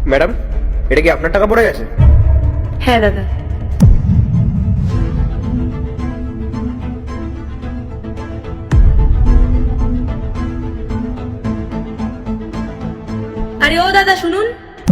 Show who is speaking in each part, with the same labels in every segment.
Speaker 1: Madam, এটা কি আপনার টাকা পড়ে গেছে?
Speaker 2: হ্যাঁ দাদা। আরে ও দাদা শুনুন,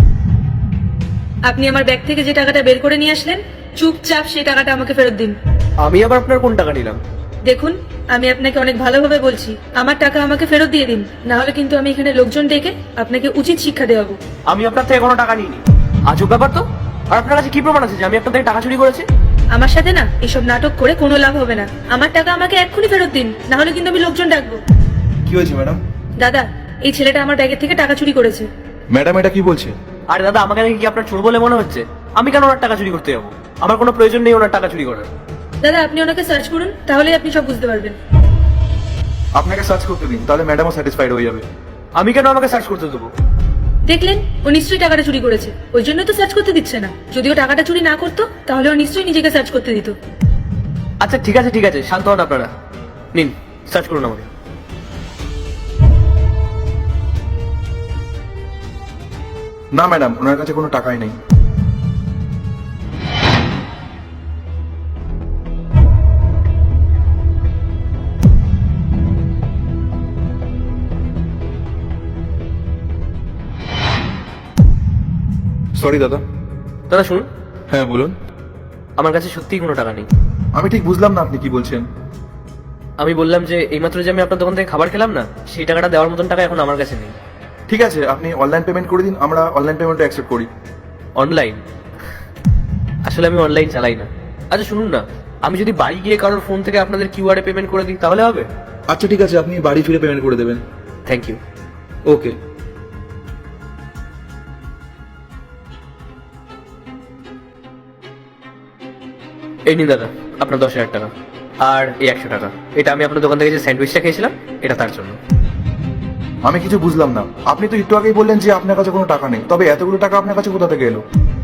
Speaker 2: আপনি আমার ব্যাগ থেকে যে টাকাটা বের করে নিয়ে আসলেন, চুপচাপ সেই টাকাটা আমাকে ফেরত দিন।
Speaker 1: আমি আবার আপনার কোন টাকা নিলাম?
Speaker 2: দেখুন, আমি আপনাকে অনেক ভালোভাবে বলছি, আমার টাকা আমাকে ফেরত দিয়ে দিন, না হলে কিন্তু আমি এখানে লোকজন ডেকে আপনাকে উচিত শিক্ষা দেওয়াবো।
Speaker 1: আমি আপনার থেকে কোনো টাকা নিইনি। আজব ব্যাপার তো। আর আপনার কাছে কি প্রমাণ আছে যে আমি আপনার থেকে টাকা চুরি করেছি?
Speaker 2: আমার সাথে না এসব নাটক করে কোনো লাভ হবে না। আমার টাকা আমাকে এক্ষুনি ফেরত দিন, না হলে কিন্তু আমি লোকজন ডাকবো।
Speaker 3: কি হয়েছে ম্যাডাম?
Speaker 2: দাদা, এই ছেলেটা আমার ব্যাগের থেকে টাকা চুরি করেছে।
Speaker 3: ম্যাডাম এটা কি বলছে?
Speaker 1: আরে দাদা, আমাকে নাকি কি আপনার চোর বলে মনে হচ্ছে? আমি কেন ওনার টাকা চুরি করতে যাবো? আমার কোনো প্রয়োজন নেই ওনার টাকা চুরি করার।
Speaker 2: দাদা, আপনি ওনাকে সার্চ করুন, তাহলেই আপনি সব বুঝতে পারবেন।
Speaker 3: আপনাকে সার্চ করতে দিন, তাহলে ম্যাডামও স্যাটিসফাইড হয়ে যাবে।
Speaker 1: আমি কেন আমাকে সার্চ করতে দেবো?
Speaker 2: দেখলেন, ও নিশ্চয়ই টাকাটা চুরি করেছে, ওই জন্য তো সার্চ করতে দিচ্ছে না। যদিও টাকাটা চুরি না করতো তাহলে ও নিশ্চয়ই নিজেকে সার্চ করতে দিত।
Speaker 1: আচ্ছা ঠিক আছে ঠিক আছে, শান্ত হন আপনারা। নিন, সার্চ করুন আমাকে।
Speaker 3: না ম্যাডাম, ওনার কাছে কোনো টাকাই নেই। সরি দাদা।
Speaker 1: দাদা শুনুন,
Speaker 3: হ্যাঁ বলুন।
Speaker 1: আমার কাছে সত্যিই কোনো টাকা নেই।
Speaker 3: আমি ঠিক বুঝলাম না আপনি কি বলছেন।
Speaker 1: আমি বললাম যে এইমাত্র যে আমি আপনার দোকান থেকে খাবার খেলাম না, সেই টাকাটা দেওয়ার মতন টাকা এখন আমার কাছে নেই।
Speaker 3: ঠিক আছে, আপনি অনলাইন পেমেন্ট করে দিন, আমরা অনলাইন পেমেন্টটা অ্যাকসেপ্ট করি।
Speaker 1: অনলাইন? আসলে আমি অনলাইন চালাই না। আচ্ছা শুনুন না, আমি যদি বাড়ি গিয়ে কারোর ফোন থেকে আপনাদের কিউআর এ পেমেন্ট করে দিই তাহলে হবে?
Speaker 3: আচ্ছা ঠিক আছে, আপনি বাড়ি ফিরে পেমেন্ট করে দেবেন।
Speaker 1: Thank you.
Speaker 3: ওকে।
Speaker 1: এই নিন দাদা আপনার 10,000 টাকা, আর এই 100 টাকা। এটা আমি আপনার দোকান থেকে যে স্যান্ডউইচটা খেয়েছিলাম, এটা তার জন্য।
Speaker 3: আমি কিছু বুঝলাম না, আপনি তো একটু আগেই বললেন যে আপনার কাছে কোনো টাকা নেই, তবে এতগুলো টাকা আপনার কাছে কোথা থেকে এলো?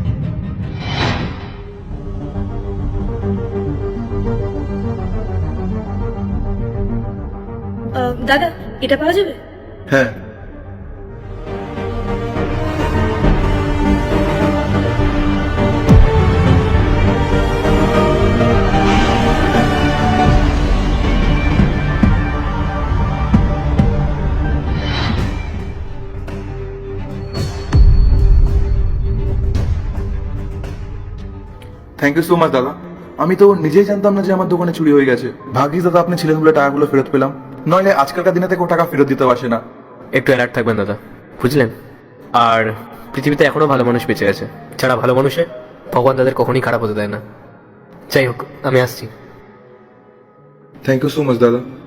Speaker 2: দাদা, এটা পাওয়া যাবে?
Speaker 3: হ্যাঁ। থ্যাংক ইউ সো মাচ দাদা। আমি তো নিজেই জানতাম না যে আমার দোকানে চুরি হয়ে গেছে। ভাগ্যিস দাদা আপনি ছিলেন বলে টাকাগুলো ফেরত পেলাম, নইলে আজকালকার দিনে কেউ টাকা ফেরত দিতে আসে না।
Speaker 1: একটু অ্যালার্ট থাকবেন দাদা, বুঝলেন? আর পৃথিবীতে এখনো ভালো মানুষ বেঁচে আছে, যারা ভালো মানুষে ভগবান তাদের কখনই খারাপ হতে দেয় না। যাই হোক, আমি আসছি।
Speaker 3: থ্যাংক ইউ সো মাচ দাদা।